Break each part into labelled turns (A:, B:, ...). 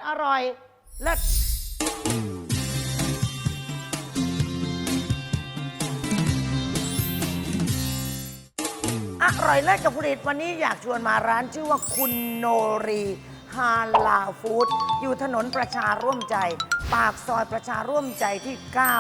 A: อร่อยเลิศอร่อยเลิศกับผลิตวันนี้อยากชวนมาร้านชื่อว่าคุณโนรีฮาลาฟู้ดอยู่ถนนประชาร่วมใจปากซอยประชาร่วมใจที่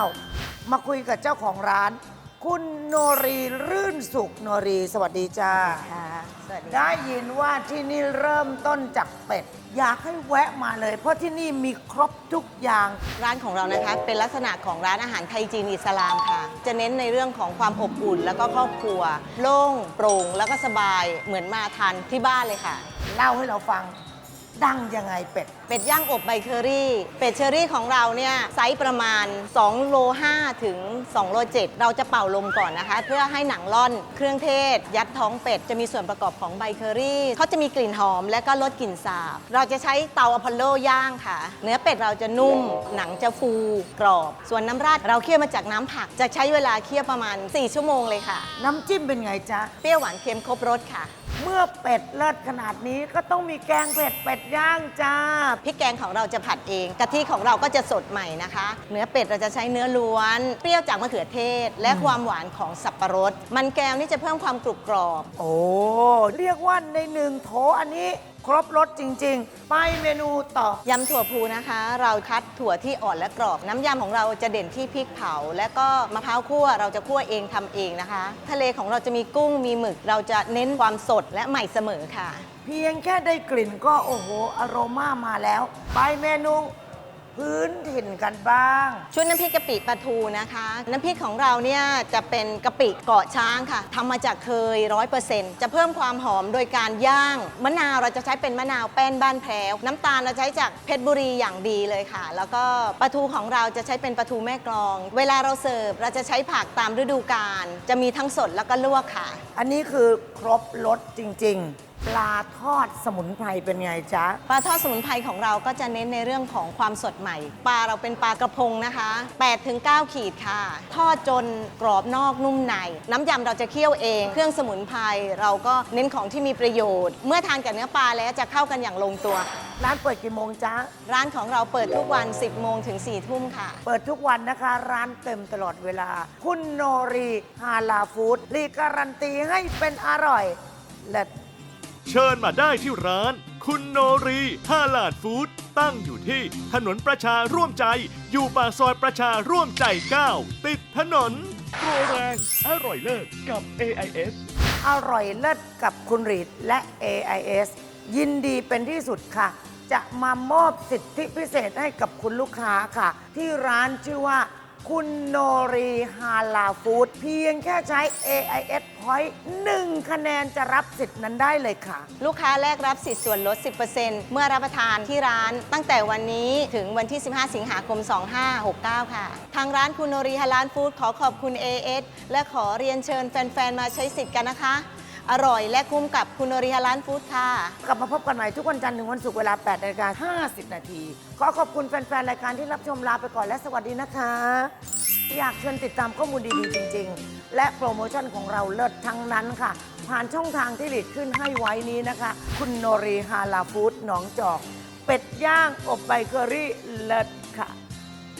A: 9 มาคุยกับเจ้าของร้านคุณโนรีรื่นสุขโนรีสวัสดีจ้า
B: สวัสดี
A: ได้ยินว่าที่นี่เริ่มต้นจากเป็ดอยากให้แวะมาเลยเพราะที่นี่มีครบทุกอย่าง
B: ร้านของเรานะคะเป็นลักษณะของร้านอาหารไทยจีนอิสลามค่ะจะเน้นในเรื่องของความอบอุ่นแล้วก็ครอบครัวโล่งโปร่งแล้วก็สบายเหมือนมาทานที่บ้านเลยค่ะ
A: เล่าให้เราฟังดังยังไงเป็ด
B: ย่างอบใบเชอรี่เป็ดเชอรี่ของเราเนี่ยไซส์ประมาณ2โล5ถึง2โล7เราจะเป่าลมก่อนนะคะเพื่อให้หนังร่อนเครื่องเทศยัดท้องเป็ดจะมีส่วนประกอบของใบเชอรี่เขาจะมีกลิ่นหอมและก็ลดกลิ่นสาบเราจะใช้เตาอพอลโลย่างค่ะเนื้อเป็ดเราจะนุ่มหนังจะฟูกรอบส่วนน้ำราดเราเคี่ยวมาจากน้ำผักจะใช้เวลาเคี่ยวประมาณ4ชั่วโมงเลยค่ะ
A: น้ำจิ้มเป็นไงจ๊ะ
B: เปรี้ยวหวานเค็มครบรสค่ะ
A: เมื่อเป็ดเลิศขนาดนี้ก็ต้องมีแกงเผ็ดเป็ดย่างจ้า
B: พริกแกงของเราจะผัดเองกะทิของเราก็จะสดใหม่นะคะเนื้อเป็ดเราจะใช้เนื้อล้วนเปรี้ยวจากมะเขือเทศและความหวานของสับปะรดมันแก้วนี่จะเพิ่มความกรุบกรอบ
A: โอ้เรียกว่าในหนึ่งโถอันนี้ครบรสจริงๆไปเมนูต่อย
B: ำถั่วพูนะคะเราคัดถั่วที่อ่อนและกรอบน้ำยำของเราจะเด่นที่พริกเผาและก็มะพร้าวคั่วเราจะคั่วเองทำเองนะคะทะเลของเราจะมีกุ้งมีหมึกเราจะเน้นความสดและใหม่เสมอค่ะ
A: เพียงแค่ได้กลิ่นก็โอ้โหอโรมามาแล้วไปเมนูพื้นถิ่นกันบ้าง
B: ชุดน้ำพริกกะปิปลาทูนะคะน้ำพริกของเราเนี่ยจะเป็นกะปิเกาะช้างค่ะทำมาจากเคย 100% จะเพิ่มความหอมโดยการย่างมะนาวเราจะใช้เป็นมะนาวแป้นบ้านแพรวน้ำตาลเราใช้จากเพชรบุรีอย่างดีเลยค่ะแล้วก็ปลาทูของเราจะใช้เป็นปลาทูแม่กลองเวลาเราเสิร์ฟเราจะใช้ผักตามฤดูกาลจะมีทั้งสดแล้วก็ลวกค่ะ
A: อันนี้คือครบรสจริงๆปลาทอดสมุนไพรเป็นไงจ๊ะ
B: ปลาทอดสมุนไพรของเราก็จะเน้นในเรื่องของความสดใหม่ปลาเราเป็นปลากระพงนะคะ8-9 ขีดค่ะทอดจนกรอบนอกนุ่มในน้ำยำเราจะเคี่ยวเองเครื่องสมุนไพรเราก็เน้นของที่มีประโยชน์เมื่อทานกับเนื้อปลาแล้วจะเข้ากันอย่างลงตัว
A: ร้านเปิดกี่โมงจ๊ะ
B: ร้านของเราเปิดทุกวัน10 โมงถึง 4 ทุ่มค่ะ
A: เปิดทุกวันนะคะร้านเต็มตลอดเวลาคุณโนรีฮาลาฟู้ดรีการันตีให้เป็นอร่อยและ
C: เชิญมาได้ที่ร้านคุณโนรีฮาลาลฟู้ดตั้งอยู่ที่ถนนประชาร่วมใจอยู่ปากซอยประชาร่วมใจ 9 ติดถนนโปรแรงอร่อยเลิศกับ AIS
A: อร่อยเลิศกับคุณรีดและ AIS ยินดีเป็นที่สุดค่ะจะมามอบสิทธิพิเศษให้กับคุณลูกค้าค่ะที่ร้านชื่อว่าคุณโนรีฮาลาฟู้ดเพียงแค่ใช้ AIS Point 1 คะแนนจะรับสิทธิ์นั้นได้เลยค่ะ
B: ลูกค้าแรกรับสิทธิ์ส่วนลด 10% เมื่อรับประทานที่ร้านตั้งแต่วันนี้ถึงวันที่ 15 สิงหาคม 2569 ค่ะทางร้านคุณโนรีฮาลาลฟู้ดขอขอบคุณ AIS และขอเรียนเชิญแฟนๆมาใช้สิทธิ์กันนะคะอร่อยและคุ้มกับคุณโนรีฮาลาลฟู้ดค่ะ
A: กลับมาพบกันใหม่ทุกวันจันทร์ถึงวันศุกร์เวลา 8:50 น.ขอขอบคุณแฟนๆรายการที่รับชมลาไปก่อนและสวัสดีนะคะอยากเชิญติดตามข้อมูลดีๆจริงๆและโปรโมชั่นของเราเลิศทั้งนั้นค่ะผ่านช่องทางที่หลีดขึ้นให้ไว้นี้นะคะคุณโนรีฮาลาฟู้ดหนองจอกเป็ดย่างอบใบเกอรี่เลิศ